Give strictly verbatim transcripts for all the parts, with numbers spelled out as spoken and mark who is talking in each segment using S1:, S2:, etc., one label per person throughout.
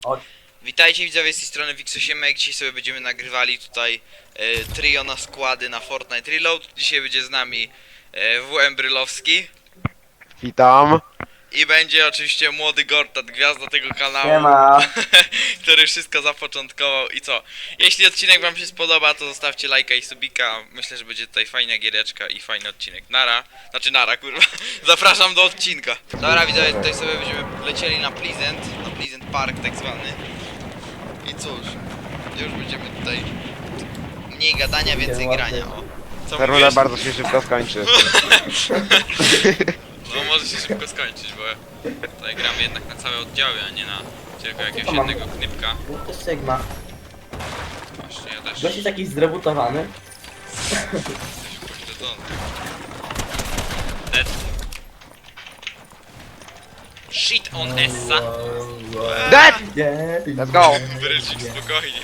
S1: O.
S2: Witajcie widzowie z tej strony Wixosiemek. Dzisiaj sobie będziemy nagrywali tutaj e, trio na składy na Fortnite Reload. Dzisiaj będzie z nami e, W M Brylowski.
S3: Witam.
S2: I będzie oczywiście młody Gortat, gwiazda tego kanału,
S1: Siema.
S2: który wszystko zapoczątkował. I co? Jeśli odcinek wam się spodoba, to zostawcie lajka i subika. Myślę, że będzie tutaj fajna giereczka i fajny odcinek. Nara. Znaczy nara, kurwa. Zapraszam do odcinka. Dobra widzowie, tutaj sobie będziemy lecieli na Pleasant, na Pleasant Park tak zwany. I cóż, już będziemy tutaj mniej gadania, więcej grania. O. Co
S3: Ta runda
S2: mówisz?
S3: bardzo się szybko skończy.
S2: No może się szybko skończyć, bo tutaj gramy jednak na całe oddziały, a nie na tylko jakiegoś
S1: To mam.
S2: jednego knipka.
S1: To jest Sigma.
S2: Właśnie ja też
S1: Gość jest jakiś zrebutowany.
S2: pośledzony. Dead. Shit on Essa.
S3: Dead!
S1: Nie,
S3: Let's go!
S2: Brylcik, spokojnie.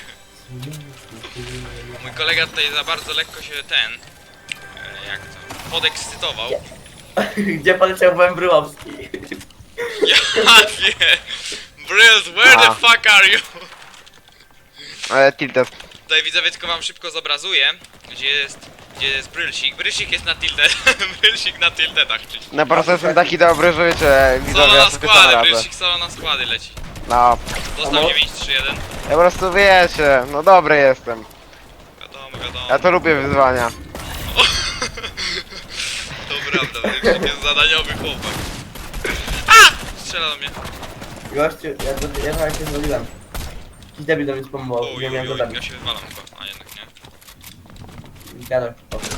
S2: Mój kolega tutaj za bardzo lekko się ten... e, jak to? Podekscytował.
S1: Gdzie poleciał W M Bryłowski?
S2: Ja wiem! Bryls, where the
S3: A.
S2: fuck are you?
S3: Ale tilted.
S2: Tutaj widzowie tylko wam szybko zobrazuję, gdzie jest, gdzie jest Brylsik. Brylsik jest na tilted, Brylsik na tiltedach czyś.
S3: No po prostu jestem taki dobry, że wiecie,
S2: Solo
S3: widzowie,
S2: na
S3: ja sobie sam
S2: składy,
S3: radzę.
S2: Brylsik solo na składy leci.
S3: No,
S2: Dostał dziewięć trzy jeden.
S3: ja po prostu wiecie, no dobry jestem.
S2: Wiadomo, wiadomo.
S3: Ja to lubię wyzwania.
S2: To prawda, Brylsik jest zadaniowy chłopak. A! Strzela do mnie.
S1: Gościu, ja, to, ja chyba się zwoliłem. Jakiś debil do mnie spomógł,
S2: Uj,
S1: nie
S2: uj,
S1: miałem go
S2: uj, ja
S1: zabić.
S2: się wywalam chyba, a jednak nie.
S1: Gadaj.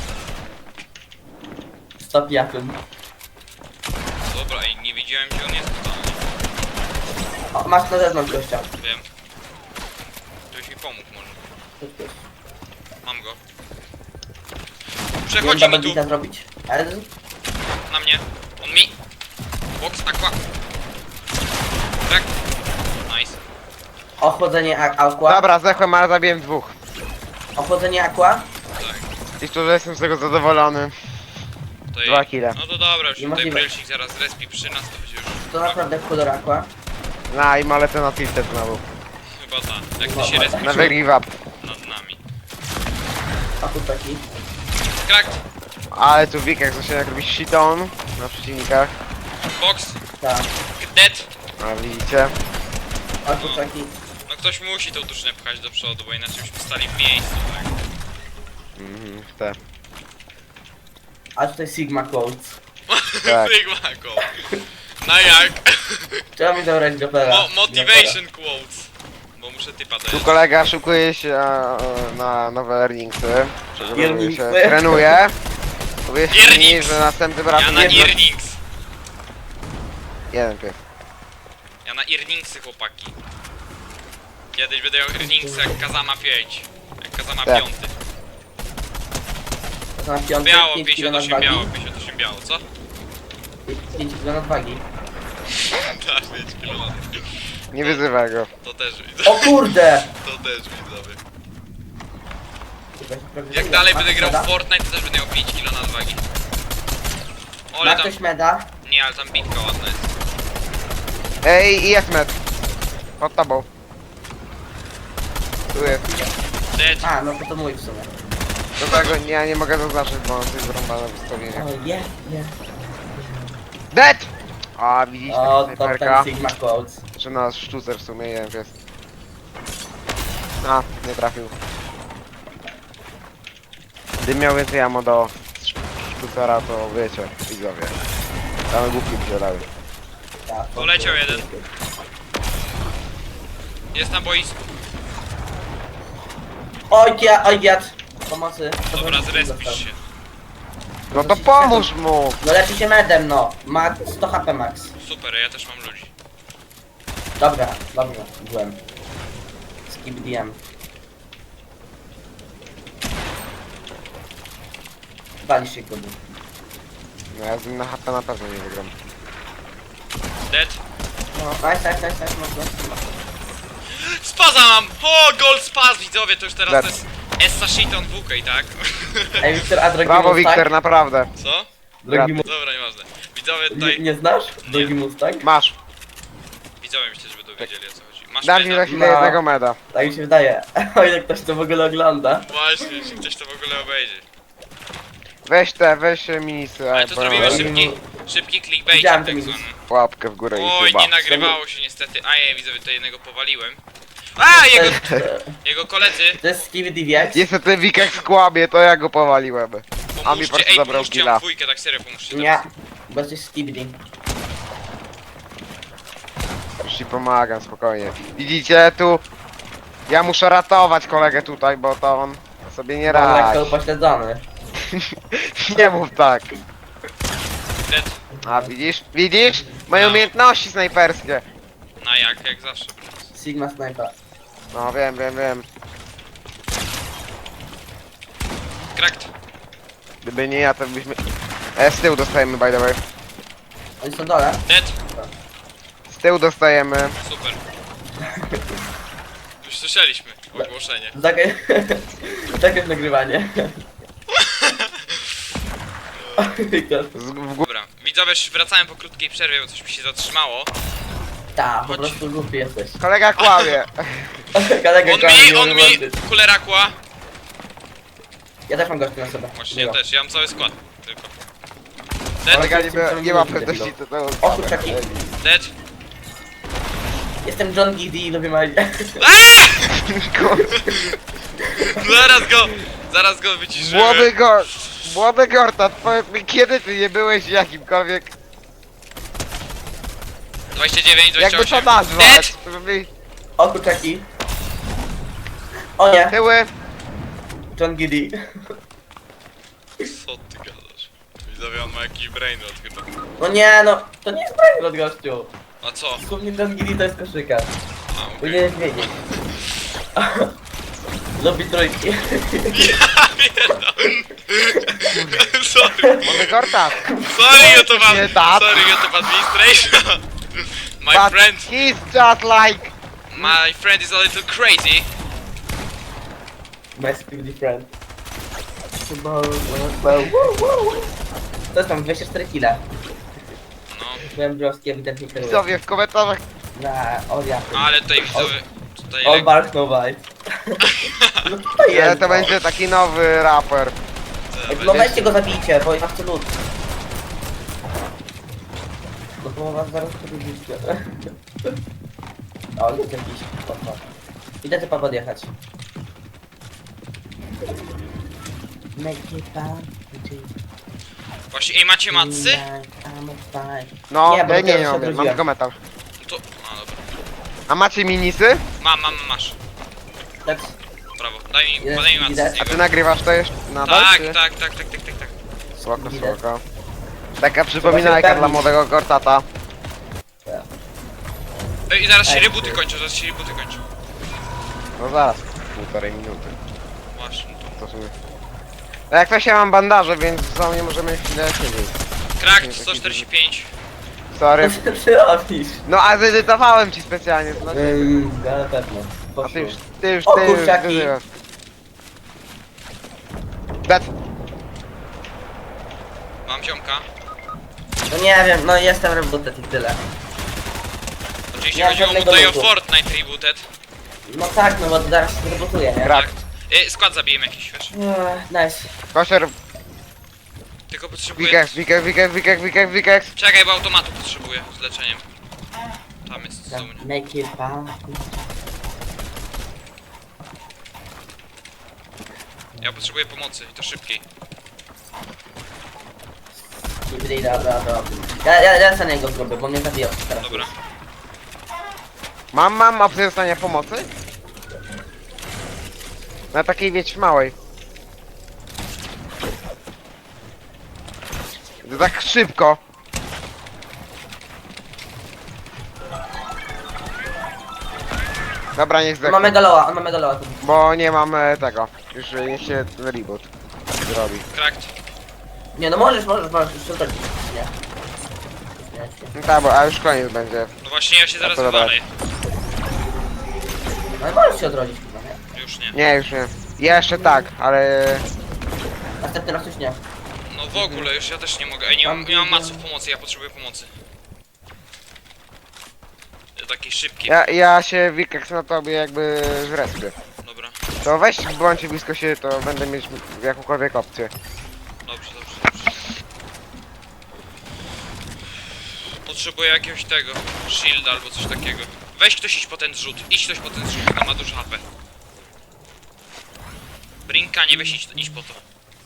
S1: Stop jakiem.
S2: Dobra, i nie widziałem gdzie on jest totalnie.
S1: O, masz na zewnątrz gościa.
S2: Wiem. Ktoś mi pomógł może. Mam go. Przechodzi
S1: Wiem,
S2: mi
S1: double
S2: tu,
S1: beata zrobić. Ale
S2: na mnie. On mi. Box aqua. Tak. Nice.
S1: ochłodzenie a- aqua.
S3: Dobra, zdechłem, ale zabiłem dwóch.
S1: Ochłodzenie aqua.
S2: Tak.
S3: I szczerze jestem z tego zadowolony.
S2: To
S3: Dwa
S2: i-
S3: kile.
S2: No to dobra, już tutaj
S1: Niemożliwe.
S2: Brylsik zaraz respi przy nas, to będzie już
S1: To naprawdę kolor aqua.
S3: No i malecę na tilted znowu.
S2: chyba ta. Jak
S1: No,
S2: ty się
S1: no,
S2: respi
S3: Never give up.
S2: nad nami.
S1: A tu taki.
S2: Cracked.
S3: Ale tu Wikek zaczyna jak robić shiton na przeciwnikach.
S2: Box.
S1: Tak.
S2: Dead.
S3: A widzicie?
S1: A tu taki.
S2: No ktoś musi tą drużynę pchać do przodu, bo inaczej byśmy stali w miejscu, tak?
S3: Mhm, te.
S1: A tutaj Sigma quotes.
S3: Tak.
S2: Sigma go. No jak?
S1: Trzeba mi zabrać Gopera.
S2: Mo motivation quotes. Bo muszę typa
S3: Tu
S2: dać.
S3: kolega szukuje się e, na nowe earningsy. Przygotowuje się,
S1: Earningsy?
S3: trenuje. Powiedzcie mi,
S2: Earnings.
S3: że następnym razem
S2: Ja na
S3: nie będzie-
S2: earnings.
S3: Jeden pies.
S2: Ja na earningsy, chłopaki. Kiedyś będę miał earningsy jak Kazama pięć. Jak Kazama
S3: Tak.
S2: piąty.
S1: To na piątek,
S2: Biało,
S1: pięć kilo
S2: pięćdziesiąt osiem
S1: nadwagi.
S2: biało, pięćdziesiąt osiem biało, co?
S1: pięć kilo nadwagi.
S2: Tak, pięć kilo.
S3: Nie wyzywaj go.
S2: To też widzę.
S1: O kurde!
S2: To też widzowie. Jak dalej będę grał w Fortnite, to też będę miał pięć kilo nadwagi. Ole
S1: Ma
S2: tam...
S1: ktoś meda?
S2: Nie, ale tam bitka ładna jest.
S3: Ej, i jest med. Pod tobą. Tu jest.
S2: Dead.
S1: A, no to to mój w sumie.
S3: Do tego nie, ja nie mogę zaznaczyć, bo mam coś zrąbane w ustawieniu.
S1: O, nie, nie.
S3: Dead! A, widzisz,
S1: O,
S3: taka
S1: to
S3: snajperka.
S1: ten Sigma quotes.
S3: Czy nasz sztucer w sumie, jeden pies. A, nie trafił. Gdybym miał więcej ammo do sz- sztucera, to wiecie, widzowie. Same głupki by się dały.
S1: Tak,
S2: Poleciał jeden. Jest na boisku.
S1: Oj, ja, oj, jad. Pomocy.
S2: Dobra, zrespisz się.
S3: No to pomóż mu!
S1: No leczy się medem, no. Ma sto H P max.
S2: Super, ja też mam ludzi.
S1: Dobra, dobrze, byłem. Skip D M. Walisz się kudy.
S3: No ja z nim na H P na pewno nie wygram.
S2: Dead.
S1: No, nice, nice, nice, nice, mocno.
S2: Spaza mam! O, gold spaz, widzowie, to już teraz
S3: Dead.
S2: to jest Essa Shiton W K, tak?
S1: Ej, Wiktor, a drogi
S3: Brawo,
S1: Mustang?
S3: Wiktor, naprawdę.
S2: Co?
S1: Drogi mu...
S2: Dobra, nieważne. Widzowie
S1: nie,
S2: tutaj...
S1: nie znasz? Drogi Mustang?
S3: Masz.
S2: Widzowie myślę, że będą wiedzieli o co chodzi. Masz
S3: Dam ci
S2: meda?
S3: za chwilę
S1: No.
S3: jednego meda.
S1: Tak mi się wydaje. O ile ktoś to w ogóle ogląda.
S2: Właśnie, że ktoś to w ogóle obejrzy.
S3: Weź te, weź e, minisy.
S2: Ale
S3: a,
S2: to
S3: bo-
S2: zrobimy
S1: ale-
S2: szybki, szybki clickbait
S1: Widziałem
S2: tak
S1: ten
S2: zwany.
S3: Łapkę w górę i
S2: Oj,
S3: chyba.
S2: nie nagrywało się niestety. A ja widzę, to jednego powaliłem. A, jego, jego koledzy.
S1: To jest Skibidi wiek.
S3: Niestety Wikek skłamie, to ja go powaliłem. A mi po
S2: Pomóżcie,
S3: prostu
S2: ej,
S3: zabrał
S2: pomóżcie,
S3: killa.
S2: mam dwójkę, tak serio, pomóżcie.
S1: Nie. Bo to jest Skibidi.
S3: Już ci pomagam, spokojnie. Widzicie, tu... Ja muszę ratować kolegę tutaj, bo to on sobie nie
S1: Mam lekko
S3: radzi.
S1: upośledzony.
S3: Nie mów tak.
S2: Dead.
S3: A widzisz? Widzisz? Moje
S2: No.
S3: umiejętności snajperskie.
S2: Na jak, jak zawsze. Bruce.
S1: Sigma Sniper.
S3: No wiem, wiem, wiem.
S2: Cracked.
S3: Gdyby nie ja, to byśmy... E, z tyłu dostajemy, by the way.
S1: Oni są dole.
S2: Dead.
S3: Z tyłu dostajemy.
S2: Super. Już słyszeliśmy ogłoszenie.
S1: Takie... Takie nagrywanie. Wiktor.
S3: Z, w górę.
S2: Dobra, widzowie, już wracałem po krótkiej przerwie, bo coś mi się zatrzymało.
S1: Ta, po
S2: Chodź.
S1: prostu głupi jesteś.
S3: Kolega kłamie.
S1: Kolega
S2: On
S1: kochani,
S2: mi, on mi
S1: włączyć.
S2: kulerakła.
S1: Ja też mam gości na sobie.
S2: Właśnie ja
S1: Miło.
S2: też, ja mam cały skład. Tylko. Dead,
S3: Kolega nie, ma- nie ma pewności, to to...
S1: O, kurczaki.
S2: dead.
S1: Jestem John Giddy i lubię Marię.
S2: Aaaa! Zaraz go, zaraz go wyciszymy.
S3: Młody Gor... Młody Gortat, powiedz mi, kiedy ty nie byłeś jakimkolwiek...
S2: dwadzieścia dziewięć, dwadzieścia
S3: Jakby to
S2: osiem.
S3: nazwać? Żeby...
S1: O, kurczaki. O nie,
S3: Tyły.
S1: John Giddy.
S2: Co ty gadasz? Widzowie, on ma jakiś brainrot chyba.
S1: No nie, no, to nie jest brain od gościu.
S2: A co?
S1: Słownie John Giddy to jest koszyka.
S2: A, okej.
S1: Powinieneś wiedzieć. Lubi trójki.
S2: Ja pierdolę. Sorry,
S3: Młody Gortat.
S2: sorry YouTube, ad-
S3: Nie tak.
S2: sorry YouTube administration. My
S3: But
S2: friend,
S3: he's just like...
S2: my friend is a little crazy.
S1: My Skibidi friend. To jest tam dwieście cztery kile.
S2: No,
S1: Byłem browski, ewidentnie kieruję.
S3: Widzowie w komentarzach...
S1: Na Oria.
S2: ale tutaj widzowie, tutaj
S1: All
S2: le-
S1: bark no bite. No to
S3: Nie,
S1: jest.
S3: to
S1: no.
S3: będzie taki nowy raper.
S1: No weźcie go zabijcie, bo ja chcę lód. No to was zaraz podjedziecie. O, jest jakiś. Opa. Idę typa podjechać.
S2: Właśnie, ej, macie macy?
S3: No,
S1: Nie, bo
S3: nie, nie,
S1: dopiero
S3: nie,
S1: się
S3: mam,
S1: odrodziłem.
S3: mam tylko metal.
S2: To, a dobra.
S3: A macie minisy?
S2: Mam, mam, masz.
S1: Tak,
S2: Brawo, daj mi,
S1: Jest
S2: podaj mi macę
S1: widać.
S2: z
S3: A ty
S2: niego.
S3: nagrywasz to jeszcze nadal?
S2: Tak,
S3: czy-
S2: tak, tak, tak, tak, tak, tak.
S3: Spoko,
S1: Widać.
S3: spoko. Taka przypominajka
S1: pewnić.
S3: dla młodego Gortata.
S2: Ej, zaraz się
S1: Ej.
S2: rebooty kończą, zaraz się rebooty kończą.
S3: No zaraz, półtorej minuty.
S2: Właśnie, to.
S3: To w sumie. No jak to się mam bandaże, więc za mnie możemy chwilę siedzieć.
S2: Cracked sto czterdzieści pięć.
S3: Sorry.
S1: co ty robisz?
S3: No a zedytowałem ci specjalnie, to znaczy...
S1: Ym, na pewno.
S3: A
S1: Poszło.
S3: ty już, ty już,
S1: O,
S3: ty już
S1: kurczaki.
S3: wyzywasz. Dead.
S2: Mam ziomka.
S1: No nie wiem, no jestem rebooted i tyle.
S2: Oczywiście
S1: Ja
S2: chodziło mu
S1: żadnego
S2: tutaj o
S1: lutu.
S2: Fortnite rebooted.
S1: No tak, no bo zaraz się rebootuję, nie?
S3: Krak.
S2: Ej, skład zabijemy jakiś, wiesz?
S1: Ech, Nice.
S3: Kosier,
S2: Tylko potrzebuję...
S3: wikek, wikek, wikek, wikek, wikek, wikek.
S2: Czekaj, bo automatu potrzebuję z leczeniem. Tam jest, z
S1: Tam,
S2: mnie.
S1: Make it fun.
S2: Ja potrzebuję pomocy i to szybkiej.
S1: Skibidi, dobra, dobra. Ja, ja, ja za niego zrobię, bo mnie zabijał teraz.
S2: Dobra.
S3: Mam, mam opcję dostania pomocy? Na takiej wieć małej. To tak szybko. Dobra, niech
S1: On ma
S3: zdechnie,
S1: megaloa, on ma megaloa. tu.
S3: bo nie mam e, tego. Już e, niech się reboot zrobi.
S2: Cracked.
S1: Nie, no możesz, możesz, możesz, już to nie. Nie, nie.
S3: No tak, bo a już koniec będzie.
S2: No właśnie, ja się zaraz
S3: to dobra.
S2: wywalę.
S1: No i możesz się odrodzić chyba, nie?
S2: Już nie.
S3: Nie, już nie. Jeszcze tak, ale...
S1: Następny raz już nie.
S2: No w ogóle, już ja też nie mogę. Ej, nie mam, nie mam maców pomocy, ja potrzebuję pomocy. taki szybki.
S3: Ja, ja się Wikeks na tobie jakby zrespię.
S2: Dobra,
S3: To weź, bądźcie blisko się, to będę mieć jakąkolwiek opcję.
S2: dobrze, dobrze, dobrze. Potrzebuję jakiegoś tego, shielda albo coś takiego. Weź ktoś iść po ten zrzut, idź ktoś po ten zrzut, tam ma dużo H P. Brinka, nie weź idź, idź po to.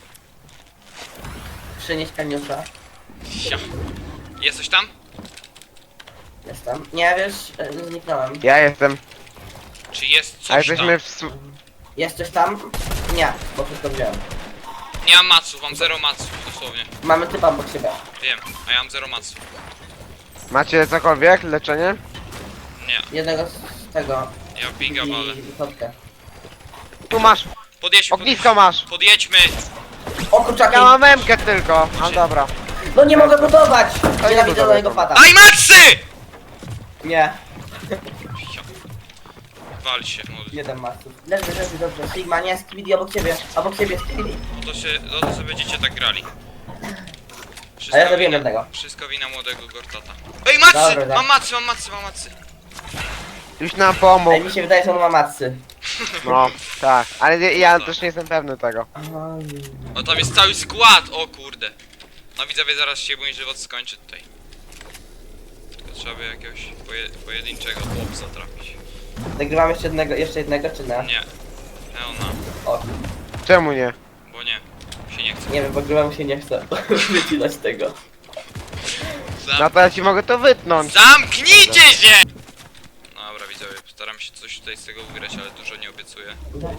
S1: Przynieś kaniusza.
S2: Sia. Jesteś tam?
S1: Jestem. Nie wiesz, e, zniknąłem.
S3: Ja jestem.
S2: Czy jest
S3: A
S2: coś tam?
S3: jesteśmy w... su-
S1: Jest coś tam? Nie, bo wszystko wziąłem.
S2: Nie mam maców, mam zero maców, dosłownie.
S1: Mamy typa obok siebie.
S2: Wiem, a ja mam zero maców.
S3: Macie cokolwiek? Leczenie?
S2: Nie,
S1: Jednego z tego.
S2: ja biga walę.
S1: I wychodkę.
S3: Tu masz!
S2: Podjedźmy,
S3: Ognisko masz!
S2: podjedźmy!
S1: O kurczaki!
S3: Ja mam memkę tylko! A dobra.
S1: No nie mogę budować!
S3: nie
S1: Nienawidzę
S3: budowaj
S1: mojego
S3: to.
S1: pada.
S2: Daj macy!
S1: Nie,
S2: Sia. Wal się, młody.
S1: jeden masów. Leży, leży, dobrze. Sigma, nie, Skibidi obok ciebie. Obok ciebie, Skibidi.
S2: No to się, no to sobie będziecie tak grali.
S1: A ja zabiję
S2: wina,
S1: jednego.
S2: wszystko wina młodego Gortata. Ej, macy!
S1: Dobra, dobra.
S2: Mam macy, mam macy, mam macy.
S3: Już nam pomógł.
S1: Ej, mi się wydaje, że on ma matcy.
S3: No, tak. Ale ja, ja też nie jestem pewny tego.
S2: O, tam jest cały skład, o kurde. No widzowie, zaraz się mój żywot skończy tutaj. Tylko trzeba by jakiegoś poje, pojedynczego chłopca trafić.
S1: Nagrywam jeszcze jednego, jeszcze jednego, czy nie?
S2: Nie. Leona,
S1: O,
S3: Czemu nie?
S2: bo nie. Się nie chce.
S1: nie wiem, bo grywam się nie chce wycinać tego.
S3: No
S2: Zam
S3: to ja ci mogę to wytnąć.
S2: Zamknijcie się! Dobra widzowie, postaram się coś tutaj z tego ugrać, ale dużo nie obiecuję.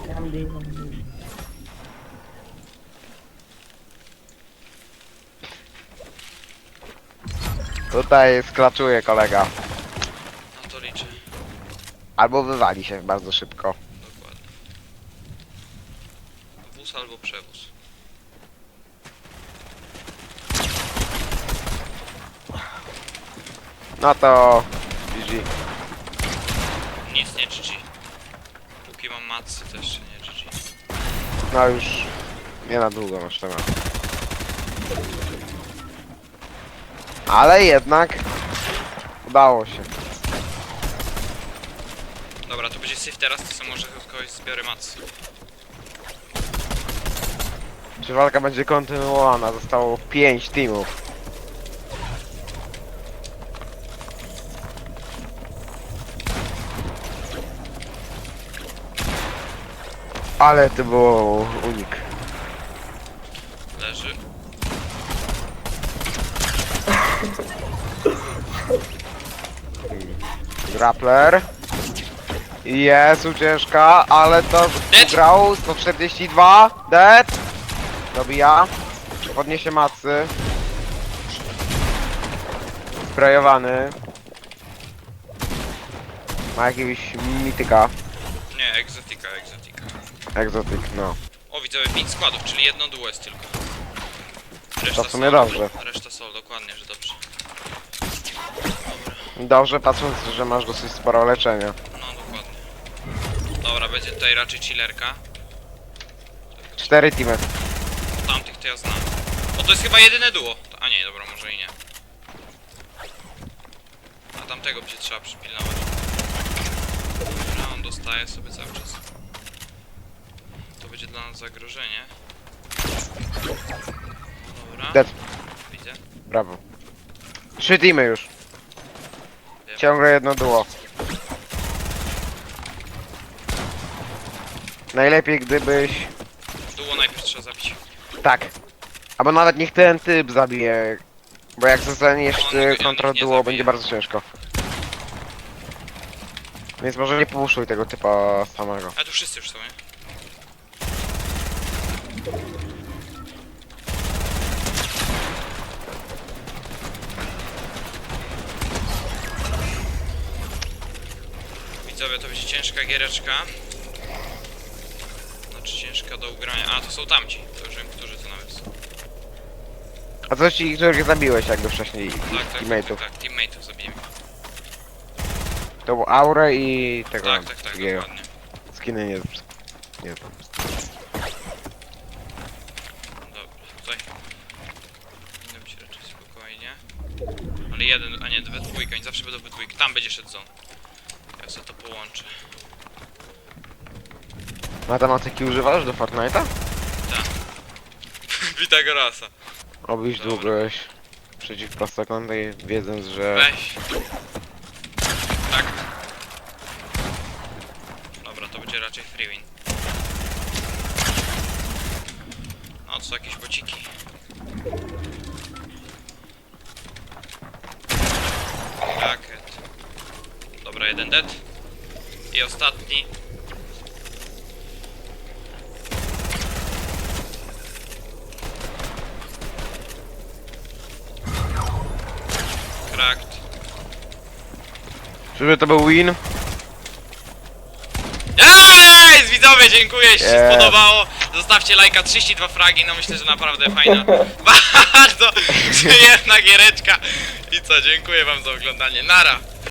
S3: Tutaj sklaczuje kolega.
S2: No to liczę.
S3: Albo wywali się bardzo szybko.
S2: Dokładnie. Wóz albo przewóz.
S3: No to... G G.
S2: Nic nie G G. Póki mam macy też nie G G.
S3: No już... Nie na długo masz temat. Ale jednak... Udało się.
S2: Dobra, to będzie syf teraz, to sobie może od kogoś zbiorę macy.
S3: Czy walka będzie kontynuowana? Zostało pięć teamów. Ale to było unik.
S2: Leży.
S3: Grappler. Jest ucieczka, ale to
S2: Dead.
S3: grał sto czterdzieści dwa. Dead. Dobija. Podniesie macy. Sprayowany. Ma jakiegoś mityka.
S2: Nie, egzotika, egzotika.
S3: Egzotyk, no.
S2: O, widzowie, pięć składów, czyli jedno duo jest tylko. Reszta
S3: To w sumie
S2: sol.
S3: dobrze.
S2: Reszta sol, dokładnie, że dobrze.
S3: Dobrze, patrząc, że masz dosyć sporo leczenia.
S2: No, dokładnie. Dobra, będzie tutaj raczej chillerka.
S3: Cztery teamy.
S2: Tamtych to ja znam. O, to jest chyba jedyne duo. A nie, dobra, może i nie. A tamtego będzie trzeba przypilnować. Dobra, on dostaje sobie cały czas. To będzie dla nas zagrożenie. Dobra.
S3: Dead.
S2: Widzę.
S3: Brawo. Trzy teamy już.
S2: Wiem.
S3: Ciągle jedno duo. Najlepiej gdybyś...
S2: Duo najpierw trzeba zabić.
S3: Tak. Albo nawet niech ten typ zabije. Bo jak zostaniesz
S2: On-
S3: ty
S2: on
S3: kontra
S2: ich nie
S3: duo,
S2: zabije.
S3: będzie bardzo ciężko. Więc może nie puszuj tego typa samego.
S2: Ale tu wszyscy już są, nie? Widzowie, to będzie ciężka giereczka. Znaczy ciężka do ugrania. A, to są tamci. To już wiem, którzy to nawet są.
S3: A co ci, których zabiłeś jakby wcześniej?
S2: Tak, tak, tak,
S3: Teammateów.
S2: tak, tak, teammateów zabiłem.
S3: To był Aurę i tego
S2: Tak, tak, tak,
S3: drugiego.
S2: dokładnie.
S3: Skiny nie... Nie wiem.
S2: Dobra, tutaj. Powinno być raczej spokojnie. Ale jeden, a nie, we dwójkę, oni zawsze będą we dwójkę. Tam będzie szedł zon. sobie to połączę.
S3: Matematyki używasz do Fortnite'a?
S2: Pitagorasa.
S3: Obyś
S2: Dobra.
S3: długość przeciw prostokątnej, wiedząc, że...
S2: Weź. Tak. Dobra, to będzie raczej free win. No, to są jakieś bociki. Rakiet. Dobra, jeden dead. I ostatni. Cracked.
S3: Czyżby to był win?
S2: Ej, widzowie, dziękuję, jeśli się
S3: Yes.
S2: spodobało. Zostawcie lajka, trzydzieści dwa fragi, no myślę, że naprawdę fajna, bardzo przyjemna giereczka. I co, dziękuję wam za oglądanie, nara.